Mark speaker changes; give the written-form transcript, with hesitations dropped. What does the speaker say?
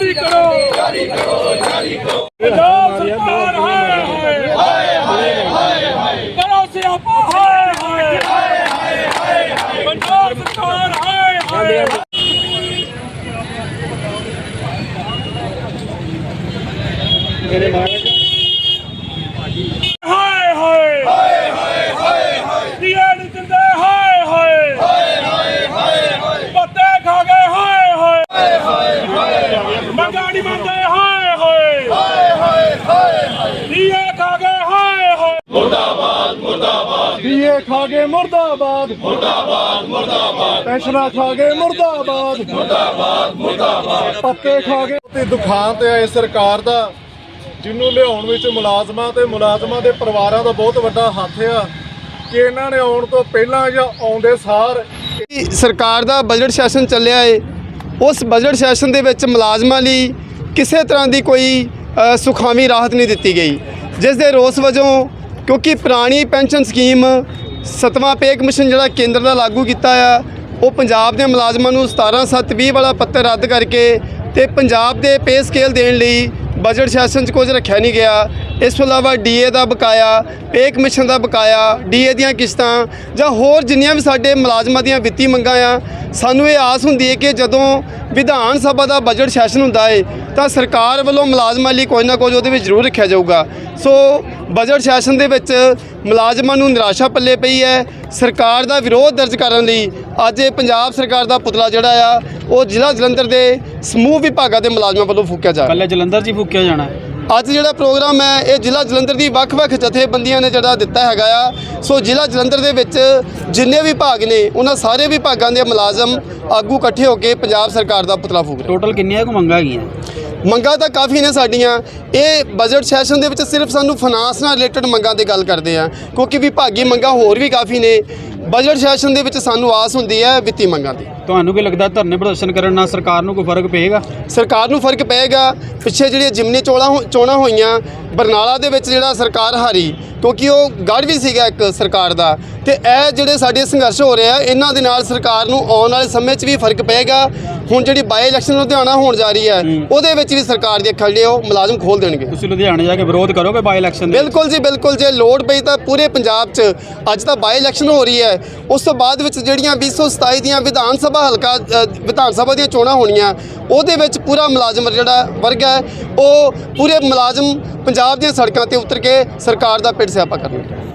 Speaker 1: जारी करो पंजाब सरकार करो सियापा पंजाब सरकार
Speaker 2: डीए खा गए मुर्दाबाद मुर्दाबाद मुर्दाबाद पेंशना खा गए मुर्दाबाद मुर्दाबाद मुर्दाबाद पत्ते खा गए ਤੇ ਦੁਖਾਂ ਤੇ ਆਏ ਸਰਕਾਰ ਦਾ ਜਿਹਨੂੰ ਲਿਆਉਣ ਵਿੱਚ ਮੁਲਾਜ਼ਮਾਂ ਤੇ ਮੁਲਾਜ਼ਮਾਂ ਦੇ ਪਰਿਵਾਰਾਂ ਦਾ ਬਹੁਤ ਵੱਡਾ ਹੱਥ ਆ ਕਿ ਇਹਨਾਂ ਨੇ ਆਉਣ ਤੋਂ ਪਹਿਲਾਂ ਜਾਂ ਆਉਂਦੇ ਸਾਰ
Speaker 3: ਸਰਕਾਰ ਦਾ ਬਜਟ ਸੈਸ਼ਨ ਚੱਲਿਆ ਏ ਉਸ ਬਜਟ ਸੈਸ਼ਨ ਦੇ ਵਿੱਚ ਮੁਲਾਜ਼ਮਾਂ ਲਈ ਕਿਸੇ ਤਰ੍ਹਾਂ ਦੀ ਕੋਈ ਸੁਖਾਵੀਂ ਰਾਹਤ ਨਹੀਂ ਦਿੱਤੀ ਗਈ ਜਿਸ ਦੇ ਰੋਸ ਵਜੋਂ ਕਿਉਂਕਿ ਪੁਰਾਣੀ ਪੈਨਸ਼ਨ ਸਕੀਮ 7ਵਾਂ ਪੇ ਕਮਿਸ਼ਨ ਜਿਹੜਾ ਕੇਂਦਰ ਦਾ ਲਾਗੂ ਕੀਤਾ ਆ ਉਹ ਪੰਜਾਬ ਦੇ ਮੁਲਾਜ਼ਮਾਂ ਨੂੰ 17/7/20 ਵਾਲਾ ਪੱਤਰ ਰੱਦ ਕਰਕੇ ਤੇ ਪੰਜਾਬ ਦੇ ਪੇ ਸਕੇਲ ਦੇਣ ਲਈ ਬਜਟ ਸੈਸ਼ਨ 'ਚ ਕੁਝ ਰੱਖਿਆ ਨਹੀਂ ਗਿਆ। ਇਸ ਤੋਂ ਇਲਾਵਾ ਡੀਏ ਦਾ ਬਕਾਇਆ, ਪੇ ਕਮਿਸ਼ਨ ਦਾ ਬਕਾਇਆ, ਡੀਏ ਦੀਆਂ ਕਿਸ਼ਤਾਂ ਜਾਂ ਹੋਰ ਜਿੰਨੀਆਂ ਵੀ ਸਾਡੇ ਮੁਲਾਜ਼ਮਾਂ ਦੀਆਂ ਵਿੱਤੀ ਮੰਗਾਂ ਆ, ਸਾਨੂੰ ਇਹ ਆਸ ਹੁੰਦੀ ਹੈ ਕਿ ਜਦੋਂ ਵਿਧਾਨ ਸਭਾ ਦਾ ਬਜਟ ਸੈਸ਼ਨ ਹੁੰਦਾ ਹੈ ਤਾਂ ਸਰਕਾਰ ਵੱਲੋਂ ਮੁਲਾਜ਼ਮਾਂ ਲਈ ਕੁਝ ਨਾ ਕੁਝ ਉਹਦੇ ਵਿੱਚ ਜ਼ਰੂਰ ਰੱਖਿਆ ਜਾਊਗਾ। ਸੋ ਬਜਟ ਸੈਸ਼ਨ ਦੇ ਵਿੱਚ ਮੁਲਾਜ਼ਮਾਂ ਨੂੰ ਨਿਰਾਸ਼ਾ ਪੱਲੇ ਪਈ ਹੈ। ਸਰਕਾਰ ਦਾ ਵਿਰੋਧ ਦਰਜ ਕਰਨ ਲਈ ਅੱਜ ਇਹ ਪੰਜਾਬ ਸਰਕਾਰ ਦਾ ਪੁਤਲਾ ਜਿਹੜਾ ਆ ਉਹ ਜ਼ਿਲ੍ਹਾ ਜਲੰਧਰ ਦੇ ਸਮੂਹ ਵਿਭਾਗਾਂ ਦੇ ਮੁਲਾਜ਼ਮਾਂ ਵੱਲੋਂ ਫੂਕਿਆ ਜਾ ਰਿਹਾ।
Speaker 4: ਕੱਲੇ ਜਲੰਧਰ 'ਚ ਹੀ ਫੂਕਿਆ ਜਾਣਾ।
Speaker 3: ਅੱਜ ਜਿਹੜਾ ਪ੍ਰੋਗਰਾਮ ਹੈ ਇਹ ਜ਼ਿਲ੍ਹਾ ਜਲੰਧਰ ਦੀ ਵੱਖ-ਵੱਖ ਜਥੇਬੰਦੀਆਂ ਨੇ ਜਿਹੜਾ ਦਿੱਤਾ ਹੈਗਾ ਆ। ਸੋ ਜ਼ਿਲ੍ਹਾ ਜਲੰਧਰ ਦੇ ਵਿੱਚ ਜਿੰਨੇ ਵੀ ਵਿਭਾਗ ਨੇ ਉਹਨਾਂ ਸਾਰੇ ਵਿਭਾਗਾਂ ਦੇ ਮੁਲਾਜ਼ਮ ਆਗੂ ਇਕੱਠੇ ਹੋ ਕੇ ਪੰਜਾਬ ਸਰਕਾਰ ਦਾ ਪੁਤਲਾ ਫੂਕ ਰਹੇ।
Speaker 4: ਟੋਟਲ ਕਿੰਨੀਆਂ ਕੁ ਮੰਗਾਂ ਹੈਗੀਆਂ?
Speaker 3: ਮੰਗਾਂ ਤਾਂ ਕਾਫੀ ਨੇ ਸਾਡੀਆਂ। ਇਹ ਬਜਟ ਸੈਸ਼ਨ ਦੇ ਵਿੱਚ ਸਿਰਫ ਸਾਨੂੰ ਫਾਈਨਾਂਸ ਨਾਲ ਰਿਲੇਟਡ ਮੰਗਾਂ ਦੀ ਗੱਲ ਕਰਦੇ ਆ ਕਿਉਂਕਿ ਵਿਭਾਗੀ ਮੰਗਾਂ ਹੋਰ ਵੀ ਕਾਫੀ ਨੇ। ਬਜਟ ਸੈਸ਼ਨ ਦੇ ਵਿੱਚ ਸਾਨੂੰ ਆਸ ਹੁੰਦੀ ਹੈ ਵਿੱਤੀ ਮੰਗਾਂ ਦੀ।
Speaker 4: ਤੁਹਾਨੂੰ ਕੀ ਲੱਗਦਾ ਧਰਨੇ ਪ੍ਰਦਰਸ਼ਨ ਕਰਨ ਨਾਲ ਸਰਕਾਰ ਨੂੰ ਕੋਈ ਫਰਕ ਪਏਗਾ?
Speaker 3: ਸਰਕਾਰ ਨੂੰ ਫਰਕ ਪਏਗਾ। ਪਿੱਛੇ ਜਿਹੜੀਆਂ ਜਿਮਨੀ ਚੋਣਾਂ ਹੋਈਆਂ ਬਰਨਾਲਾ ਦੇ ਵਿੱਚ ਜਿਹੜਾ ਸਰਕਾਰ ਹਾਰੀ ਕਿਉਂਕਿ ਉਹ ਗੜ੍ਹ ਵੀ ਸੀਗਾ ਇੱਕ ਸਰਕਾਰ ਦਾ, ਤੇ ਇਹ ਜਿਹੜੇ ਸਾਡੇ ਸੰਘਰਸ਼ ਹੋ ਰਹੇ ਆ ਇਹਨਾਂ ਦੇ ਨਾਲ ਸਰਕਾਰ ਨੂੰ ਆਉਣ ਵਾਲੇ ਸਮੇਂ 'ਚ ਵੀ ਫਰਕ ਪਏਗਾ। ਹੁਣ ਜਿਹੜੀ ਬਾਈ ਇਲੈਕਸ਼ਨ ਲੁਧਿਆਣਾ ਹੋਣ ਜਾ ਰਹੀ ਹੈ ਉਹਦੇ ਵਿੱਚ ਵੀ ਸਰਕਾਰ ਦੇ ਅੱਖਾਂ ਜਿਹੜੇ ਉਹ ਮੁਲਾਜ਼ਮ ਖੋਲ੍ਹ ਦੇਣਗੇ।
Speaker 4: ਤੁਸੀਂ ਲੁਧਿਆਣੇ ਜਾ ਕੇ ਵਿਰੋਧ ਕਰੋਗੇ ਬਾਈ ਇਲੈਕਸ਼ਨ?
Speaker 3: ਬਿਲਕੁਲ ਜੀ ਬਿਲਕੁਲ। ਜੇ ਲੋੜ ਪਈ ਤਾਂ ਪੂਰੇ ਪੰਜਾਬ 'ਚ ਅੱਜ ਤਾਂ ਬਾਈ ਇਲੈਕਸ਼ਨ ਹੋ ਰਹੀ ਹੈ, ਉਸ ਤੋਂ ਬਾਅਦ ਵਿੱਚ ਜਿਹੜੀਆਂ 2027 ਦੀਆਂ ਵਿਧਾਨ ਸਭਾ ਦੀਆਂ ਚੋਣਾਂ ਹੋਣੀਆਂ ਉਹਦੇ ਵਿੱਚ ਪੂਰਾ ਮੁਲਾਜ਼ਮ ਜਿਹੜਾ ਵਰਗ ਹੈ ਉਹ ਪੂਰੇ ਮੁਲਾਜ਼ਮ ਪੰਜਾਬ ਦੀਆਂ ਸੜਕਾਂ ਤੇ ਉਤਰ ਕੇ ਸਰਕਾਰ ਦਾ ਪਿੱਟ ਸਿਆਪਾ ਕਰਨਗੇ।